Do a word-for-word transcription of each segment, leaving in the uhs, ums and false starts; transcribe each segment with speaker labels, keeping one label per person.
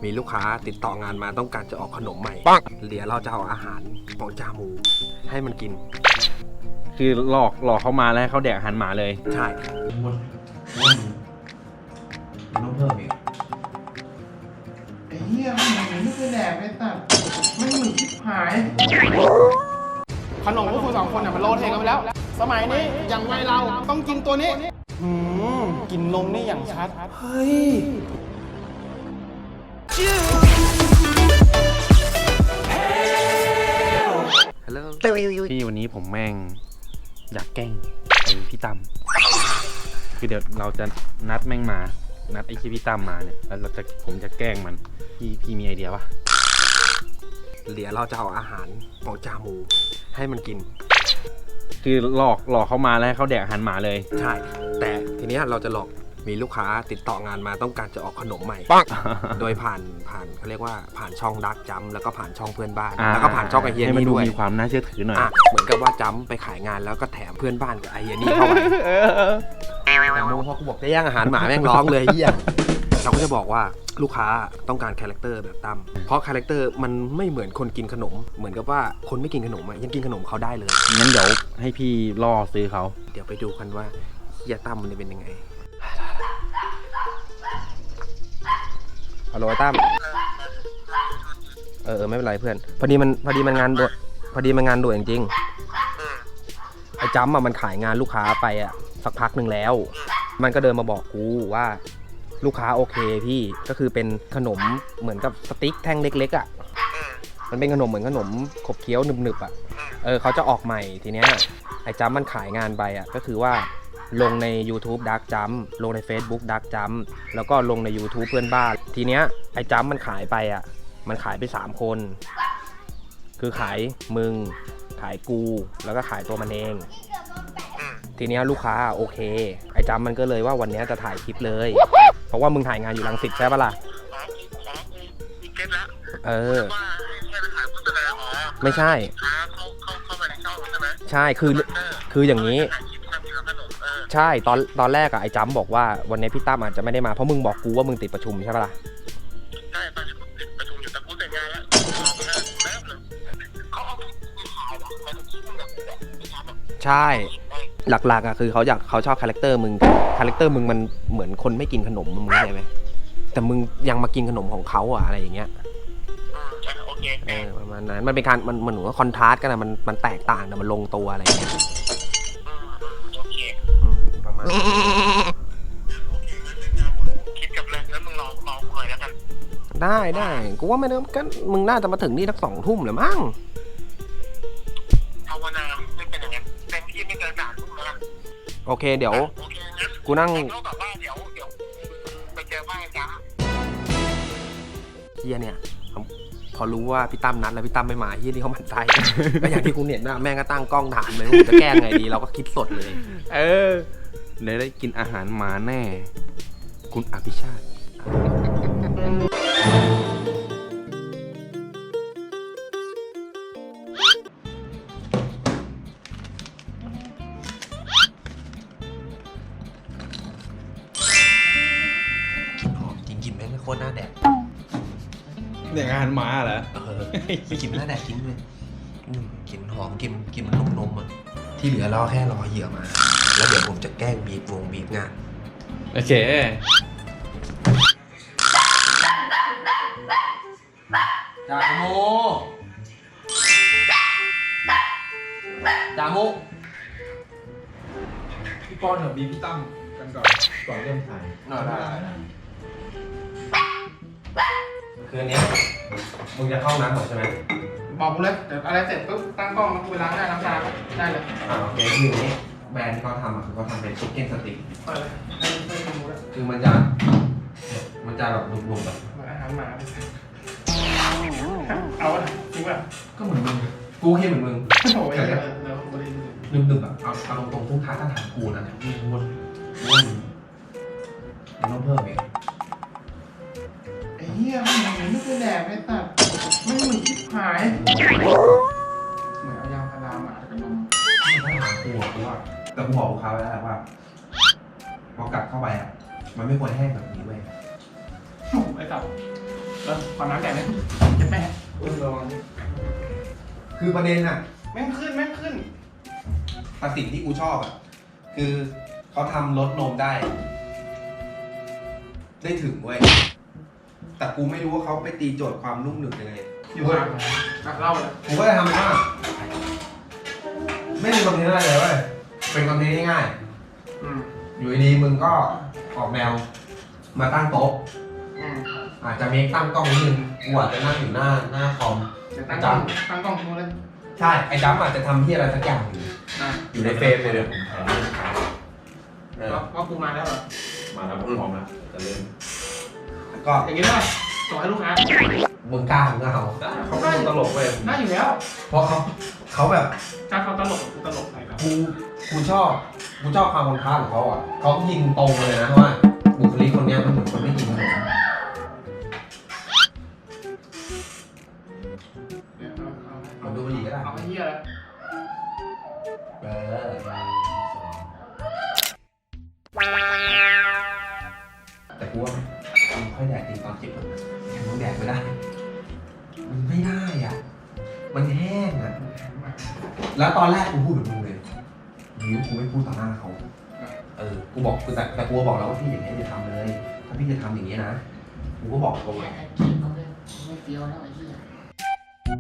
Speaker 1: มีลูกค้าติดต่องานมาต้องการจะออกขนมใหม่เดี๋ยวเราจะเอาอาหารของจามูให้มันกิน
Speaker 2: คือหลอกหลอกเขามาแล้วให้เขาแดกอาหารหมาเลย
Speaker 1: ใช่
Speaker 3: หมดมันต้องเพิ่มอีกไอ้เหี้ยมันเหมือนไม่เคยแดกไม่ตัดไม่เหมือนชิบหายขนมพวกคุณสองคนเนี่ยมันโลเทกันไปแล้วสมัยนี้อย่างวัยเราต้องกินตัวนี้อืมกินนมนี่อย่างชัดเฮ้ย
Speaker 1: ฮัลโหล
Speaker 2: พี่วันนี้ผมแม่งอยากแกล้งไอ้พี่ตั้มคือเดี๋ยวเราจะนัดแม่งมานัดไอ้พี่ตั้มมาเนี่ยแล้วเราจะผมจะแกล้งมันพี่พี่มีไอเดียปะ
Speaker 1: เดี๋ยวเราจะเอาอาหารของจามูให้มันกิน
Speaker 2: คือหลอกหลอกเขามาแล้วให้เขาแดกอาหารหมาเลย
Speaker 1: ใช่แต่ทีนี้เราจะหลอกมีลูกค้าติดต่องานมาต้องการจะออกขนมใหม่โดยผ่านผ่านเขาเรียกว่าผ่านช่องดักจัมแล้วก็ผ่านช่องเพื่อนบ้านแล้วก็ผ่านช่องไอเฮียนี่ด้วย
Speaker 2: มีความน่าเชื่อถือหน่อย
Speaker 1: เหมือนกับว่าจัมไปขายงานแล้วก็แถมเพื่อนบ้านกับไอเฮียนี่เข้าไปแต่โมพอกูบอกจะย่างอาหารหมาแม่งร้องเลยเฮียเราก็จะบอกว่าลูกค้าต้องการคาแรคเตอร์แบบตั้มเพราะคาแรคเตอร์มันไม่เหมือนคนกินขนมเหมือนกับว่าคนไม่กินขนมยังกินขนมเขาได้เลย
Speaker 2: งั้นเดี๋ยวให้พี่ล่อซื้อเขา
Speaker 1: เดี๋ยวไปดูกันว่าเฮียตั้มมันจะเป็นยังไงฮัลโหลตั้มเออไม่เป็นไรเพื่อนพอดีมันพอดีมันงานด่วนพอดีมันงานด่วนจริงไอ้จัมอะมันขายงานลูกค้าไปอะสักพักหนึ่งแล้วมันก็เดินมาบอกกูว่าลูกค้าโอเคพี่ก็คือเป็นขนมเหมือนกับสติ๊กแท่งเล็กๆอ่ะมันเป็นขนมเหมือนขนมขบเคี้ยวหนึบๆอ่ะเออเขาจะออกใหม่ทีเนี้ยไอ้จัมมันขายงานไปอ่ะก็คือว่าลงใน YouTube Dark Jump ลงใน Facebook Dark Jump แล้วก็ลงใน YouTube เพื่อนบ้านทีเนี้ยไอ้จัมมันขายไปอ่ะมันขายไปสามคนคือขายมึงขายกูแล้วก็ขายตัวมันเองทีเนี้ยลูกค้าโอเคไอ้จัมมันก็เลยว่าวันนี้จะถ่ายคลิปเลยเพราะว่ามึงถ่ายงานอยู่รังสิตใช่ปะล่ะเออไม่ใช่ใช่คือคืออย่างนี้ใช่ตอนตอนแรกอะไอ้จัมบอกว่าวันนี้พี่ตั้มอาจจะไม่ได้มาเพราะมึงบอกกูว่ามึงติดประชุมใช่ปะล่ะ
Speaker 3: ใช่ติดประชุมอยู่แต่กูเสร็จงานแล้ว
Speaker 1: ใช่หลักๆอ่ะคือเขาอยากเขาชอบคาแรคเตอร์มึงคาแรคเตอร์มึงมันเหมือนคนไม่กินขนมมึงเข้าใจไหมแต่มึงยังมากินขนมของเขาอ่ะอะไรอย่างเงี้ย
Speaker 3: โอเค
Speaker 1: เออประมาณนั้นมันเป็นการมันมันเหมือนว่าคอนทราสต์กันนะมันมันแตกต่างแต่มันลงตัวอะไรอย่างเงี้ย
Speaker 3: โอเค
Speaker 1: ประมาณ
Speaker 3: คิดกับเลยแล้วมึงลองลองหน่อยแล้วกัน
Speaker 1: ได้ได้กูว่าไม่ได้ก็มึงน่าจะมาถึงนี่สักสองทุ่มหรือมั้ง
Speaker 3: ภาวนาไม่เป็นอย่างนั้นเต็มที่ไม่เกินสามทุ่มแล้ว
Speaker 1: โอเคเดี๋ยวกูนั่ง
Speaker 3: แบบว่าเดี๋ยวเดี๋ยวไปเจอบ้านจ้า
Speaker 1: เฮียเนี่ยพอรู้ว่าพี่ตั้มนัดแล้วพี่ตั้มไม่มาเฮียนี่เขาหมั่นไส้ก็อย่างที่คุณเห็นนะแม่งก็ตั้งกล้องถามเลยว่าจะแก้ไงดีเราก็คิดสดเลย
Speaker 2: เออเดี๋ยวได้กินอาหารหมาแน่คุณอภิชาติ
Speaker 1: กินแม่งไม่โคตรหน้าแดก
Speaker 2: เด็กอาหารหมาเหรอ
Speaker 1: เออกินหน้าแดกกินเลยกินหอมกินกินมันนุ่มนมอ่ะที่เหลือรอแค่รอเหยื่อมาแล้วเดี๋ยวผมจะแกล้งบีบวงบีบงาน
Speaker 2: โอเค
Speaker 1: จาโมจาโม
Speaker 2: พี่ป้อนกับบีพี่ตั้มกันก่อนก่อนเริ่มถ่าย
Speaker 1: ได้คืนนี้มึงจะเข้าน้ำหมดใช่ไหม
Speaker 3: บอกกูเลยเดี๋ยวอะไรเสร็จปุ๊บตั้งกล้องแล้วกูไปล้างหน้าล้างตาได้เลย
Speaker 1: อ่าโอเคคืออย่างนี้แบรนด์ที่เขาทำอ่ะคือเขาทำเป็นชิคเก้นสติ๊กคือมันจะมันจะแบบดุๆแบบ
Speaker 3: อาหารหมาเอาจริงป่ะ
Speaker 1: ก็เหมือนมึงกูแค่เหมือนมึง
Speaker 3: โอ้ยแล้ว
Speaker 1: ดึบๆแบบเอาเอาตรงๆทุกท้าถ้าถามกูนะมึงวนวนมันต้องเพิ่มอีก
Speaker 3: ไอ้เหี้ยมันเหมือนไม่เคยแดกไม่ตัดไม่เหมือนชิบหายเหมือนเอายางพาราหมากับนม
Speaker 1: ไม่ต้องถามกูหรอกกูว่าแต่กูบอกลูกค้าไว้แล้วว่าพอกัดเข้าไปอ่ะมันไม่ควรแห้งแบบนี้เว้ย
Speaker 3: ไอ้ตับเออขอน้ำแดดเลยจะแม่
Speaker 1: คือประเด็นอะ
Speaker 3: แม่งขึ้นแม่งขึ้น
Speaker 1: แต่สิ่งที่กูชอบอะคือเขาทำรสนมได้ ได้ถึงเว้ยแต่กูไม่รู้ว่าเขาไปตีโจทย์ความนุ่มหนึบยังไง
Speaker 3: อยู่ข้างหลังอ่ะเล่าเลย
Speaker 1: ผมก็จะทำเป็นว่าไม่มีคอนเทนต์อะไรเลยเว้ยเป็นคอนเทนต์ง่าย
Speaker 3: อืม
Speaker 1: ๆอยู่ดีๆมึงก็ออกแนวมาตั้งโต๊ะ
Speaker 3: อืม
Speaker 1: อาจจะมีตั้งกล้องนิดนึงกูอาจจะนั่งอยู่หน้าหน้าคอม
Speaker 3: เดี๋ยวตั้งกล้องตั้งกล้องทิ้งไว้เลย
Speaker 1: ใช่ไอ้จัมอาจจะทำที่อะไรสักอย่างอยู่
Speaker 3: อ่ะ
Speaker 1: อยู่ในเฟรมเลยเนี่ยเออ
Speaker 3: ว่าว่ากูมาแล้วเหรอ
Speaker 2: มาแล้วผมพร้อมแล้วจะเริ่ม
Speaker 1: ก็
Speaker 3: อย่างงี้ได้ป่ะส่งให้ลูกค้า
Speaker 1: มึงกล้ามึงก็เอาเขาเป็นคนตลกเว้ย
Speaker 3: ได้อยู่แล้ว
Speaker 1: เพราะเขาเขาแบบ
Speaker 3: ถ้าเขาตลกกูตลกใส่แบบ
Speaker 1: กูกูชอบกูชอบความคอนทราสต์ของเขาอ่ะเขายิงตรงเลยนะว่าบุคลิกคนเนี้ยมันเหมือนคนไม่กินขนม
Speaker 3: เดี๋ยวเอาเอา
Speaker 1: มันดูดีก็ได้
Speaker 3: เอาไอ้เหี้ยแล้ว
Speaker 1: เออแต่กูว่ามันค่อยแดดจริงตอนจิบมันมันแดดไม่ได้ มันไม่ได้อ่ะ มันแห้งอ่ะ แล้วตอนแรกกูพูดแบบมึงเลยนิ้วกูไม่พูดต่อหน้าเขา เออ กูบอกกูแต่แต่กูบอกแล้วว่าพี่อย่างเงี้ยอย่าทำเลย ถ้าพี่จะทำอย่างเงี้ยนะ กูก็บอกตรงเลย
Speaker 3: ไม่เฟี้ยวแล้วไอ้เหี้ย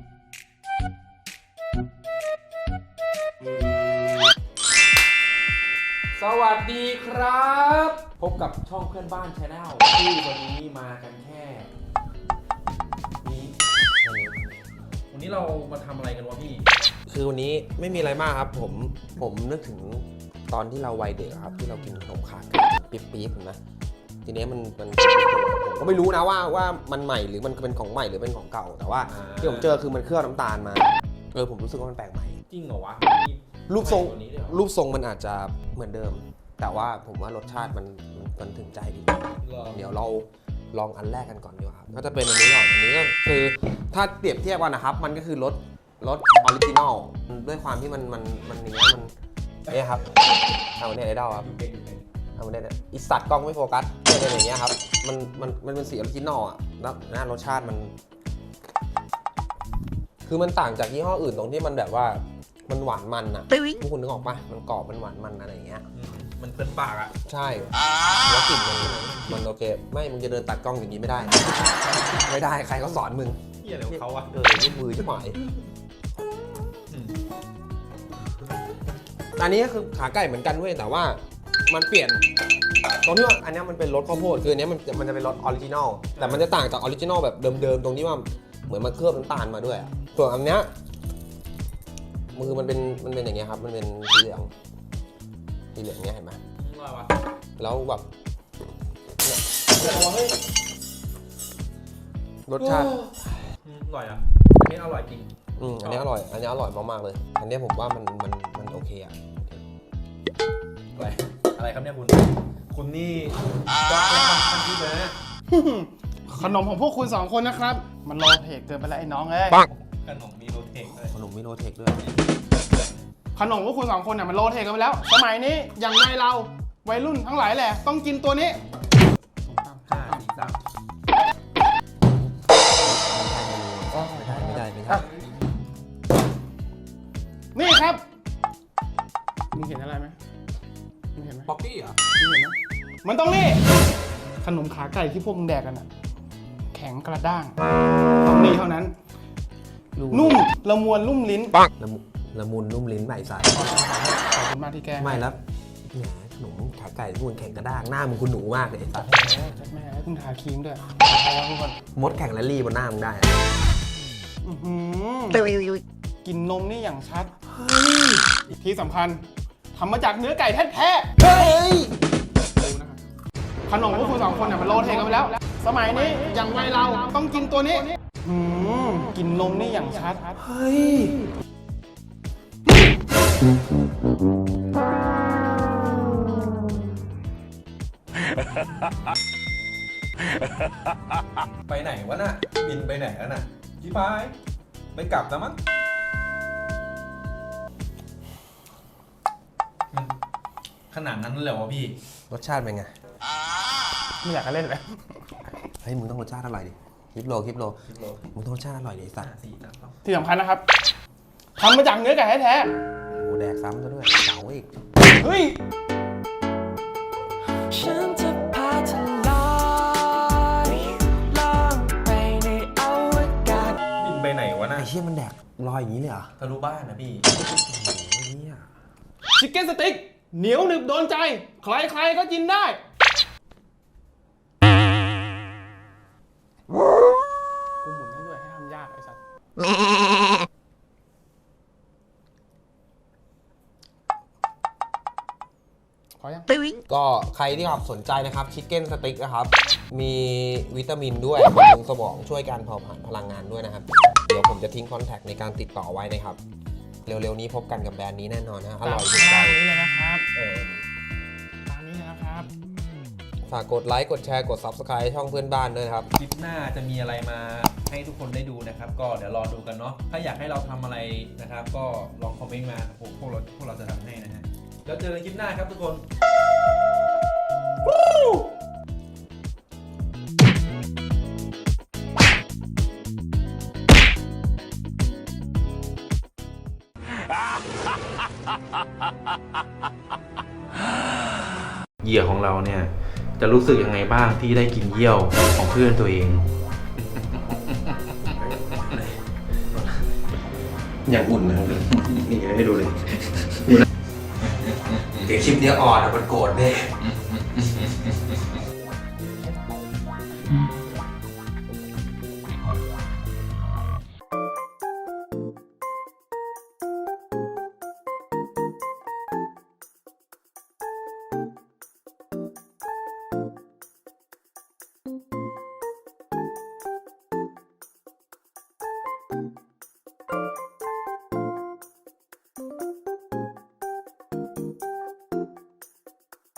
Speaker 2: สวัสดีครับ พบกับช่องเพื่อนบ้านชาแนลที่วันนี้มากันแค่นี้วันนี้เรามาทำอะไรกันวะพี่
Speaker 1: คือวันนี้ไม่มีอะไรมากครับ ผม ผมนึกถึงตอนที่เราวัยเด็กอะครับ ที่เรากินขนมขาไก่ปี๊บปี๊บๆนะ ทีนี้มันมันผมก็ไม่รู้นะว่าว่ามันใหม่หรือมันเป็นของใหม่หรือเป็นของเก่า แต่ว่า
Speaker 2: อ่า
Speaker 1: ที่ผมเจอคือมันเคลือบน้ำตาลมา เออผมรู้สึกว่ามันแปลกใหม่
Speaker 2: จริงเหรอวะ
Speaker 1: รูปทรง
Speaker 2: ตัวนี้ด้วยเหรอ
Speaker 1: รูปทรงมันอาจจะเหมือนเดิม แต่ว่าผมว่ารสชาติมันมันมันถึงใจดี
Speaker 2: เหรอ
Speaker 1: เดี๋ยวเราลองอันแรกกันก่อนดีกว่าครับก็จะเป็นอันนี้ก่อนอันนี้ก็คือถ้าเปรียบเทียบกันนะครับ มันก็คือรสรสออริจินอลด้วยความที่มันมันมันอย่างเงี้ยมันเนี่ยครับเอาเนี่ยไอดอลครับเอาเนี่ยเนี่ยอีสัตว์กล้องไม่โฟกัสเนี่ยเนี่ยอย่างเงี้ยครับมันมันมันเป็นสีออริจินอลอ่ะแล้วนะรสชาติมัน คือมันต่างจากยี่ห้ออื่นตรงที่มันแบบว่ามันหวานมันอ่ะพวกคุณนึกออกปะมันกรอบมันหวานมันอะไรอย่างเงี้ย
Speaker 2: อืมมันเพลินปากอ่ะ
Speaker 1: ใช่แล้วกลิ่นมันมันโอเค ไม่ มึงจะเดินตัดกล้องอย่างนี้ไม่ได้ ไม่ได้ ใครเขาสอนมึง
Speaker 2: เฮียอะไรของเขาอ่ะ
Speaker 1: เออยืดมือจะหมาย
Speaker 2: อืม
Speaker 1: อันนี้ก็คือขาไก่เหมือนกันเว้ย แต่ว่ามันเปลี่ยน ตรงที่ว่าอันนี้มันเป็นรสข้าวโพด คืออันนี้มันมันจะเป็นรสออริจินอล แต่มันจะต่างจากออริจินอลแบบเดิมๆ ตรงที่ว่าเหมือนมันเคลือบน้ำตาลมาด้วยอะส่วนอันเนี้ยมือมันเป็นมันเป็นอย่างเงี้ยครับ มันเป็นสีเหลือง สีเหลืองเนี้ยเห็นไหม
Speaker 2: ว่าวะ
Speaker 1: แล้วแบบเนี่ยรสชาติ
Speaker 2: อืมอร่อยอ่ะอันนี้อร่อยจริง
Speaker 1: อืมอันนี้อร่อย อันนี้อร่อยมากๆเลย อันนี้ผมว่ามันมันมันโอเคอะ
Speaker 2: อะไร อะไรครับเนี่ยคุณ คุณนี่ก็เป็นคนที่เลยนะ
Speaker 3: ขนมของพวกคุณสองคนนะครับ มันโลเทคเกินไปแล้วไอ้น้องเอ้ย
Speaker 2: ขนมมีโรเทคเลย
Speaker 1: ขนมมิโนเทคด้วย
Speaker 3: ขนมพวกคุณสองคนเนี่ยมันโลเทคกันไปแล้ว สมัยนี้อย่างวัยเราวัยรุ่นทั้งหลายแหละต้องกินตัวนี้
Speaker 2: ห้าสี่สาม
Speaker 1: ไม่ได้ ไม่ได้
Speaker 3: อ่ะ นี่ครับมึงเห็นอะไรไหมมึงเห็นไหม
Speaker 2: ป๊อกกี้เหรอ
Speaker 3: มึงเห็นไหมมันต้องนี่ขนมขาไก่ที่พวกมึงแดกกันอะแข็งกระด้างต้องนี่เท่านั้น นุ่มละมวนลุ่มลิ้น
Speaker 1: ละมุละมุนนุ่มลิ้นใหม่ใส
Speaker 3: ขอบคุณมากที่แก
Speaker 1: ไม่แล้วแหมขนมขาไก่ที่มันแข็งกระด้างหน้ามึงคุณหนูมากเลยไอ้สัส
Speaker 3: จัดแม่ให้คุณทาครีมด้วยขอบคุณทุกคน
Speaker 1: มดแข่งแรลลี่บนหน้ามึงได้
Speaker 3: อื้อหือกินนมนี่อย่างชัดที่สำคัญทำมาจากเนื้อไก่แท้ๆ
Speaker 1: เฮ้ย
Speaker 3: ดูนะครับขนมพวกคุณสองคนเนี่ยมันโลเทกันไปแล้ว สมัยนี้อย่างวัยเราต้องกินตัวนี้หืมกินนมนี่อย่างชัด
Speaker 1: เฮ้ย
Speaker 2: ไปไหนวะน่ะ บินไปไหนแล้วน่ะพี่พายไม่กลับแล้วมั้งมันขนาดนั้นเลยวะพี่
Speaker 1: รสชาติเป็นไง
Speaker 3: ไม่อยากจะเล่นเลย
Speaker 1: เฮ้ยมึงต้องรสชาติอร่อยดิคลิปโลคลิปโลมึงต้องรสชาติอร่อยเลยสัตว์
Speaker 3: ที่สำคัญนะครับทำมาจากเนื้อไก่แท้
Speaker 1: โอ้แดกซ้ำซะด้วยเก๋าอีก
Speaker 3: ๆเฮ้ย
Speaker 4: ฉันจะพาเธอลอยล่องไปในอวกาศ
Speaker 2: บินไปไหนวะน่ะ
Speaker 1: ไอ้เชี่ยมันแดกลอยอย่างนี้เลยเหรอ
Speaker 2: ทะลุบ้านนะพี่
Speaker 1: โอ้โหเหี้ย
Speaker 3: ชิคเก้นสติ๊กเหนียวหนึบโดนใจ ใครๆก็กินได้กูหมุนให้ด้วยให้ทำยากไอ้สัสพอยัง
Speaker 1: ก็ใครที่ครับสนใจนะครับชิคเก้นสติ๊กนะครับ มีวิตามินด้วยบำรุงสมองช่วยการเผาผลาญพลังงานด้วยนะครับ เดี๋ยวผมจะทิ้งคอนแทคในการติดต่อไว้นะครับ เร็วๆนี้พบกันกับแบรนด์นี้แน่นอนนะอร่อยถูกใจ
Speaker 3: ตามนี้เลยนะครับ
Speaker 1: เออ
Speaker 3: ตามนี้เลยนะครับ
Speaker 1: ฝากกดไลค์กดแชร์กด Subscribe ช่องเพื่อนบ้านด้วยนะครับ
Speaker 2: คลิปหน้าจะมีอะไรมาให้ทุกคนได้ดูนะครับ ก็เดี๋ยวรอดูกันเนาะถ้าอยากให้เราทำอะไรนะครับ ก็ลองคอมเมนต์มาพวกพวกเราพวกเราจะทำให้นะฮะแล้วเจอกันคลิปหน้าครับทุกคน เหยื่อของเราเนี่ยจะรู้สึกยังไงบ้างที่ได้กินเยี่ยวของเพื่อนตัวเอง
Speaker 1: อย่างอุ่นนะครับนี่ให้ดูเลยเดี๋ยวคลิปนี้อ่อนมันโกรธแน่